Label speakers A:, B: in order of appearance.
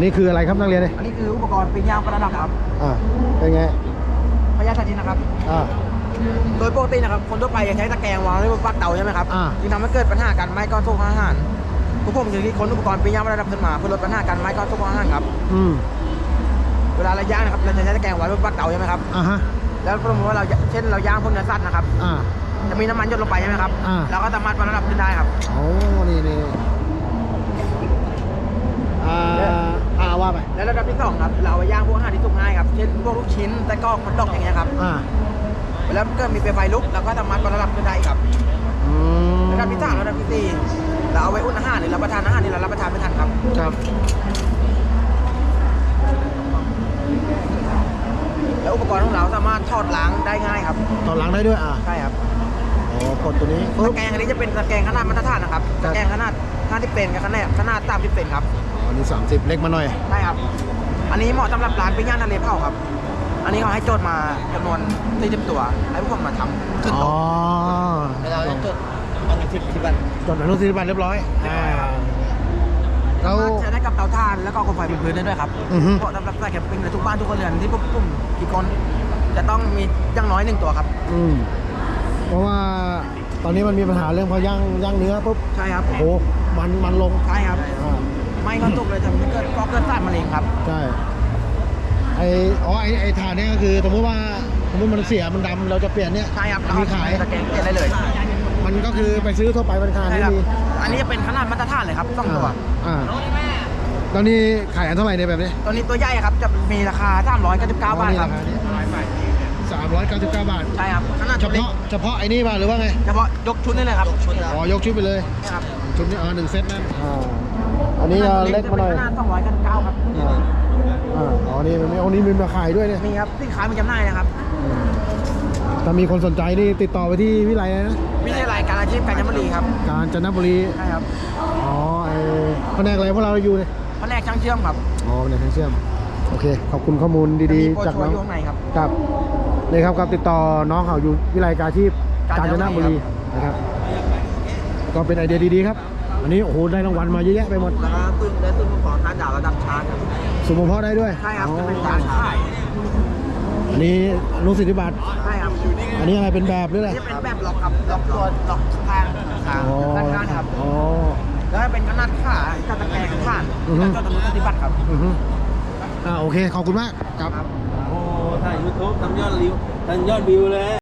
A: นี้คืออะไรครับนักเรียนเนี่ย
B: อันนี้คืออุปกรณ์ปิ้งย่างประดับครับ
A: เป็นไง
B: พยาธินะครับโดยปกตินะครับคนทั่วไปจะใช้ตะแกรงวางไว้บนปลั๊กเตาใช่ไหมครับจึงทำให้เกิดปัญหาการไหม้ก้อนสุกอาหารพวกผมจึงคิดค้นอุปกรณ์ปิ้งย่างประดับขึ้นมาเพื่อลดปัญหาการไหม้ก้อนสุกอาหารครับเวลาเราย่างนะครับเราจะใช้ตะแกรงไว้บนปลั๊กเตาใช่ไหมครับแล้วสมมติว่าเราเช่นเราย่างพวกเนื้อสัตว์นะครับจะมีน้ำมันหยดลงไปใช่ไหมครับเราก็สามารถประดับขึ้นได้ครับ
A: โอ้นี่ว่าไป
B: แล้วระดับที่2ครับเราเอาไปย่างพวกอาหารที่สุกง่ายครับเช่นพวกลูกชิ้นไส้กรอกฮอทดอกอย่างเงี้ยครับแล้วเกิดมีเปลวไฟลุกเราก็สามารถประดับขึ้นได้ครับระดับที่3ระดับที่4เราเอาไว้อุ่นอาหารหรือรับประทานอาหารที่เรารับประทานไม่ทันครับแล้วอุปกรณ์ของเราสามารถถอดล้างได้ง่ายครับ
A: ถอดล้างได้ด้วย
B: ใช่ครับ
A: กดตัวนี้
B: ตะแกรงอันนี้จะเป็นตะแกรงขนาดมาตรฐานนะครับตะแกรงขนาด50 เซนกับขนาด30 เซนครับ
A: อันนี้30เล็กมาหน่อย
B: ใช่ครับอันนี้เหมาะสำหรับร้านปิ้งย่างทะเลเผาครับอันนี้เขาให้โจทย์มาจำนวน40 ตัวให้พวกผมมาทำขึ้นโต๊ะเราจะจดอนุสิทธิบัตร
A: เรียบร้อย
B: เราใช้ได้กับเตาถ่านแล้วก็โคมไฟบนพื้นได้ด้วยครับเพราะสำหรับใส่แคมปิ้งในทุกบ้านทุกคนเรือนที่พวกผมกี่คนจะต้องมีอย่างน้อย1 ตัวครับ
A: เพราะว่าตอนนี้มันมีปัญหาเรื่องพอย่างเนื้อปุ๊บ
B: ใช่ครับ
A: โอ้โหมันลง
B: ใช่ครับไม่ก็ตกเลยทำให้เกิดสารมะเร็งครับ
A: ใช่ไอ้ถ่านเนี่ยก็คือสมมติมันเสียมันดำเราจะเปลี่ยนเนี่ย
B: ใช่ครับ
A: มีขาย
B: ตะแกรงเปลี่ยนได้เลย
A: มันก็คือไปซื้อทั่วไปมันขายไม่มี
B: อันนี้จะเป็นขนาดมาตรฐานเลยครับ2 ตัว
A: ตอนนี้ขายอันเท่าไหร่เนี่ยแบบนี้
B: ตอนนี้ตัวใหญ่ครับจะมีราคา399 บาทครับ
A: 399 บาท
B: ใช่ครับ
A: เฉพาะไอ้นี่ป่ะหรือว่าไง
B: เฉพาะยกชุดนี่เลยครับ
A: ยกชุดไปเลย
B: ครับ
A: ชุดนี้1 เซตนั่นอันนี้เล็กมาหน่อย
B: ขนาด299ครับ
A: นี่มันมีมาขายด้วยเนี่ย
B: มีครับสินค้ามีจำหน่ายนะครับ
A: ถ้ามีคนสนใจนี่ติดต่อไปที่วิไลนะ
B: วิทยาลัยการอาชีพกาญจนบุรีครับ
A: กาญจนบุรี
B: ใช่ครับ
A: แผนกอะไรพวกเราอยู่เลย
B: แผนกช่างเชื่อมครับ
A: แผนกช่างเชื่อมโอเคขอบคุณข้อมูลดีๆจากน้องครับนี่ครับติดต่อน้องเขาอยู่วิไลการอาชีพกาญจนบุรีนะครับก็เป็นไอเดียดีๆครับอันนี้โอ้โหได้รางวัลมาเยอะแยะไปหมด
B: แล้วก็ได้ซุ้มของ5 ดาวระดับชาร์จครับ
A: สุ่มเพาะได้ด้วย
B: ใช่ครับจะเป็นการขาย
A: อันนี้สิทธิบัตร
B: ใช่ครับ
A: อันนี้อะไรเป็นแบบหรืออะไร
B: จะเป็นแบบล็อกครับล็อกตัวล็อกข้างด้านข้างครับแล้วเป็นขนาดขากับตะแกรงข้างแล้วก็ตัวสิทธิบัตรครับ
A: โอเคขอบคุณมากครับ
C: โอ้ถ่าย YouTube ทำยอดวิวเลย